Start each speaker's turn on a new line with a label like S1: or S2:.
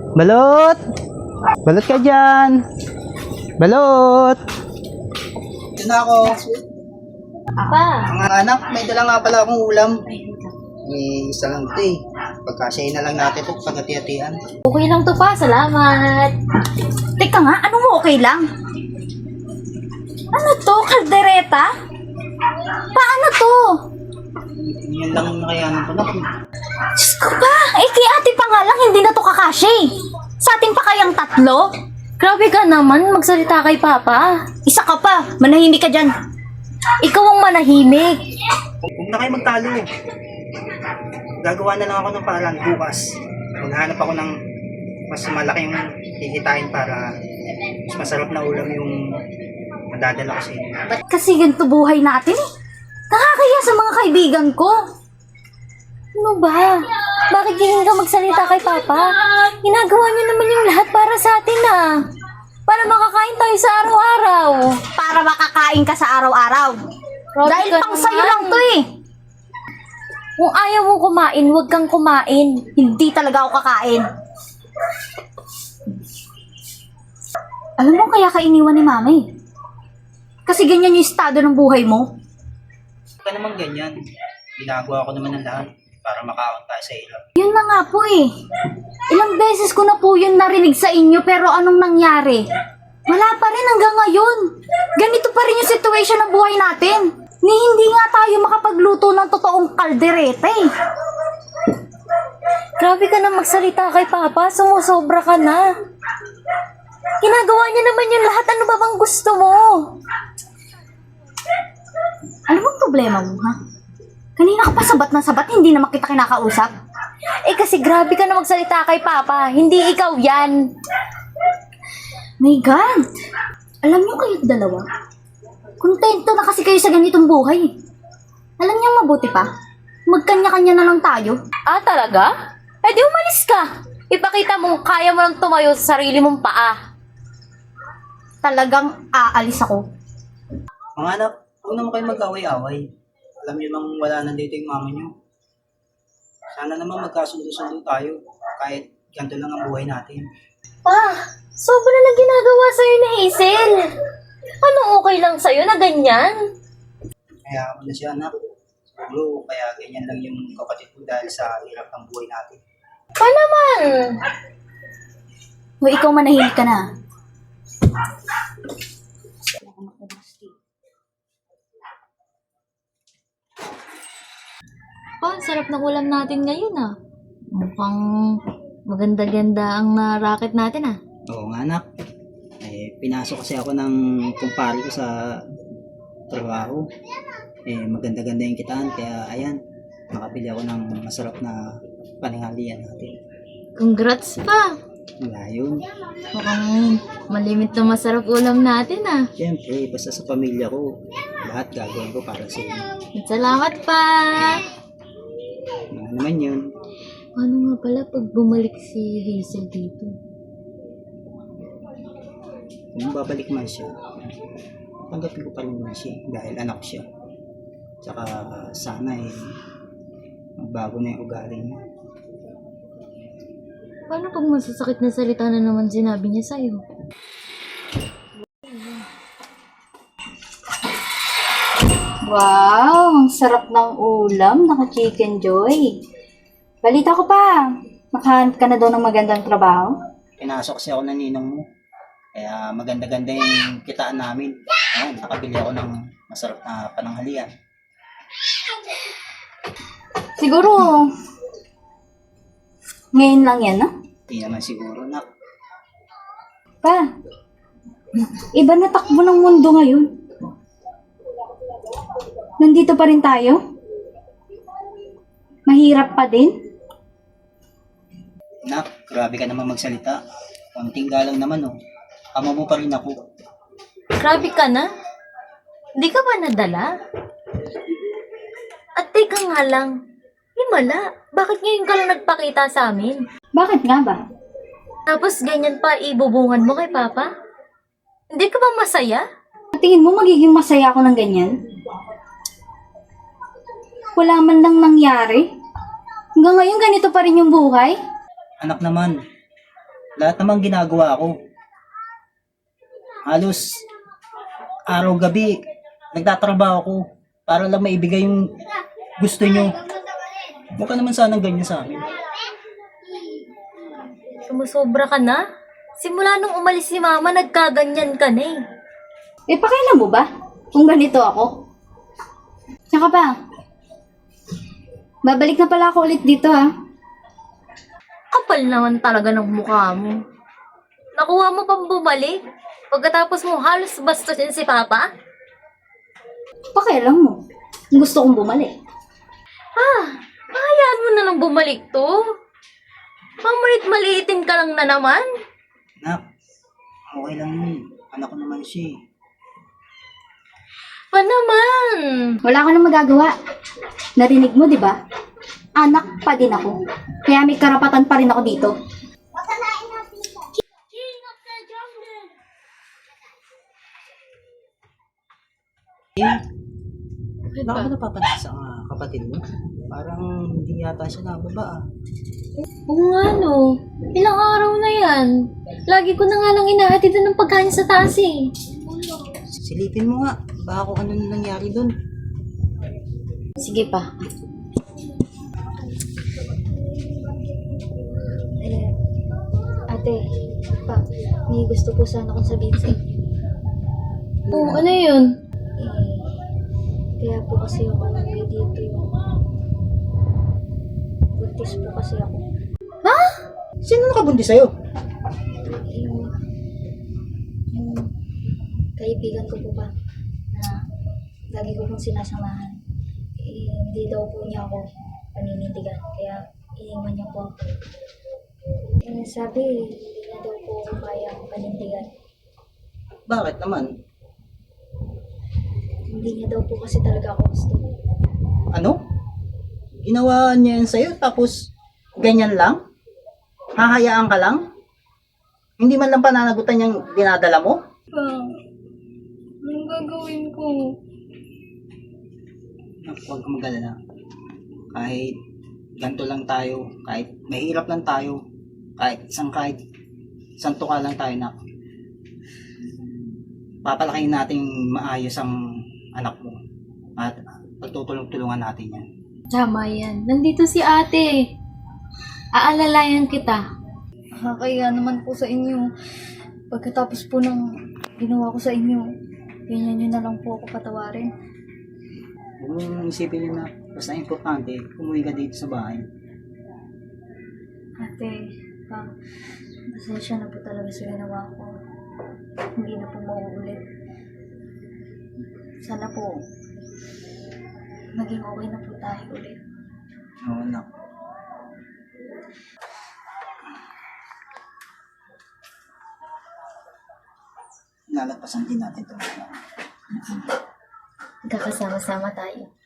S1: Balot! Balot ka dyan! Balot!
S2: Ito na ako.
S3: Apa?
S2: Mga anak, may dala nga pala akong ulam. Isa lang ito eh. Pagkasyahin na lang natin ito pagkati-hatian.
S3: Okay lang to pa, salamat.
S4: Teka nga, ano mo okay lang? Ano to? Kaldereta? Paano to?
S2: Yun lang ang nakayanan ko na.
S4: Diyos ko ba? Eh, kay ate pa nga lang, hindi na to kakasya eh. Sa atin pa kayang tatlo?
S3: Grabe ka naman, magsalita kay Papa.
S4: Isa ka pa, manahimik ka dyan.
S3: Ikaw ang manahimik.
S2: Huwag na kayo magtalo. Gagawa na lang ako ng paraan bukas. Maghanap ako ng mas malaking kikitain para mas masarap na ulam yung madadala ko sa inyo.
S4: Ba't kasi ganito buhay natin eh? Nakakaya sa mga kaibigan ko.
S3: Ano ba? Bakit ganyan ka magsalita kay Papa? Ginagawa niyo naman yung lahat para sa atin ah. Para makakain tayo sa araw-araw.
S4: Para makakain ka sa araw-araw.
S3: Grabe
S4: Dahil
S3: ka
S4: pang sa'yo
S3: naman.
S4: lang to eh.
S3: Kung ayaw mo kumain, huwag kang kumain.
S4: Hindi talaga ako kakain. Alam mo kaya ka iniwan ni mama eh. Kasi ganyan yung estado ng buhay mo.
S2: Huwag ka naman ganyan. Ginagawa ko naman ng lahat para makaon tayo sa ilap.
S4: Yun na nga po eh. Ilang beses ko na po yun narinig sa inyo pero anong nangyari? Wala pa rin hanggang ngayon. Ganito pa rin yung situation ng buhay natin. Ni hindi nga tayo makapagluto ng totoong kaldereta eh.
S3: Grabe ka na magsalita kay Papa, sumusobra ka na. Ginagawa niya naman yung lahat, ano ba bang gusto mo?
S4: Ano bang problema mo ha? Kanina ka pa sabat na sabat, hindi naman kita kinakausap.
S3: Eh kasi grabe ka na magsalita kay Papa, hindi ikaw yan.
S4: My God! Alam niyo kayo dalawa? Kontento na kasi kayo sa ganitong buhay. Alam niyo mabuti pa? Magkanya-kanya na lang tayo.
S3: Ah, talaga? Eh di umalis ka. Ipakita mo kaya mo lang tumayo sa sarili mong paa.
S4: Talagang aalis ako.
S2: Mga anak, huwag naman kayo mag-away-away. Alam niyo nang wala na dito yung mama niyo. Sana naman magkasundo-sundo tayo kahit ganito lang ang buhay natin.
S3: Pa, sobra na ginagawa sa'yo ni Hazel. Ano okay lang sa'yo na ganyan?
S2: Kaya ako na siya anak. Siguro kaya ganyan lang yung kapatid ko dahil sa hirap ng buhay natin.
S3: Pa naman.
S4: Hoy, ikaw manahimik ka na.
S3: Pa, ang sarap ng ulam natin ngayon ah. Mukhang maganda-ganda ang racket natin ah.
S2: Oo nga anak. Pinasok kasi ako ng kumpare ko sa trabaho. Maganda-ganda yung kitaan kaya ayan, makabili ako ng masarap na pananghalian natin.
S3: Congrats pa.
S2: Wala yun.
S3: Mukhang malimit na masarap ulam natin ah.
S2: Siyempre, basta sa pamilya ko, lahat gagawin ko para sa inyo.
S3: Salamat pa.
S2: Ano naman yun?
S3: Paano nga pala pag bumalik si Hazel dito?
S2: Kung babalik man siya, tanggapin ko pa rin naman siya dahil anak siya. Tsaka sana magbago na yung ugali niya.
S3: Paano pag masasakit na salita na naman sinabi niya sa'yo?
S4: Wow, ang sarap ng ulam. Naka-chicken joy. Balita ko pa, makahanap ka na daw ng magandang trabaho.
S2: Pinasok kasi ako ng ninong mo. Kaya maganda-ganda yung kitaan namin. Ayun, nakabili ako ng masarap na pananghalian.
S4: Siguro, ngayon lang yan, no?
S2: Hindi naman siguro na.
S4: Pa, iba na takbo ng mundo ngayon. Nandito pa rin tayo? Mahirap pa din?
S2: Nak, grabe ka naman magsalita. Konting galang naman oh. Ama mo pa rin ako.
S3: Grabe ka na? Hindi ka ba nadala? At teka nga lang, himala, bakit ngayon ka lang nagpakita sa amin?
S4: Bakit nga ba?
S3: Tapos ganyan pa ibubungan mo kay Papa? Hindi ka ba masaya?
S4: Tingin mo magiging masaya ako ng ganyan? Wala man lang nangyari. Hanggang ngayon ganito pa rin yung buhay.
S2: Anak naman, Lahat naman ginagawa ko. Halos araw-gabi, nagtatrabaho ko para lang maibigay yung gusto nyo. Huwag ka naman sanang ganyan sa akin.
S3: Sumusobra ka na? Simula nung umalis si mama, nagkaganyan ka na eh.
S4: Eh, pakailan mo ba kung ganito ako? Tsaka pa, babalik na pala ako ulit dito ha.
S3: Kapal naman talaga ng mukha mo. Nakuha mo pang bumalik? Pagkatapos mo halos bastusin si Papa?
S4: Pakailan mo. Gusto kong bumalik.
S3: Hayaan mo na lang bumalik to. Mamalit-maliitin ka lang na naman.
S2: Nak, okay lang yun. Anak ko naman siya.
S3: Pa naman.
S4: Wala ka nang magagawa. Narinig mo, di ba? Anak pa din ako. Kaya may karapatan pa rin ako dito.
S2: Baka ka napapansin sa kapatid mo? Parang hindi yata siya nababa.
S3: Oo nga no. Ilang araw na yan. Lagi ko na nga lang inahatid ng pagkain sa taas eh.
S2: Silipin mo nga. Baka kung ano nangyari dun.
S4: Sige pa. Ate, pa, may gusto po sana akong sabihin sa inyo.
S3: Oo, ano yun?
S4: Kaya po kasi ako nagay dito yung buntis po kasi ako.
S2: Sino nakabuntis sa'yo?
S4: Yung kaibigan ko po ba na lagi ko pong sinasamahan. Hindi daw po niya ako paninindigan. Kaya iniwan niya po ako. Sabi, hindi na daw po ako kaya panindigan.
S2: Bakit naman?
S4: Hindi niya daw po kasi talaga ako gusto.
S2: Ano? Ginawa niya yan sa'yo tapos ganyan lang? Hahayaan ka lang? Hindi man lang pananagutan yung dinadala mo?
S3: Anong gagawin ko?
S2: Huwag kang mag-alala. Kahit ganito lang tayo, kahit mahirap lang tayo, kahit isang tuka lang tayo na papalakayin natin maayos ang anak mo at pagtutulong-tulungan natin yan.
S3: Tama yan. Nandito si ate. Aalalayan kita.
S4: Kaya naman po sa inyo, pagkatapos po ng ginawa ko sa inyo, ganyan nyo na lang po ako patawarin.
S2: Huwag mong isipin yun na basta importante, umuwi ka dito sa bahay.
S4: Ate, pasensya na po talaga sa ginawa ko. Hindi na po mauulit. Sana po, maging okay na po tayo ulit.
S2: Oo, anak. Lalagpasan din natin ito.
S3: Magkakasama-sama tayo.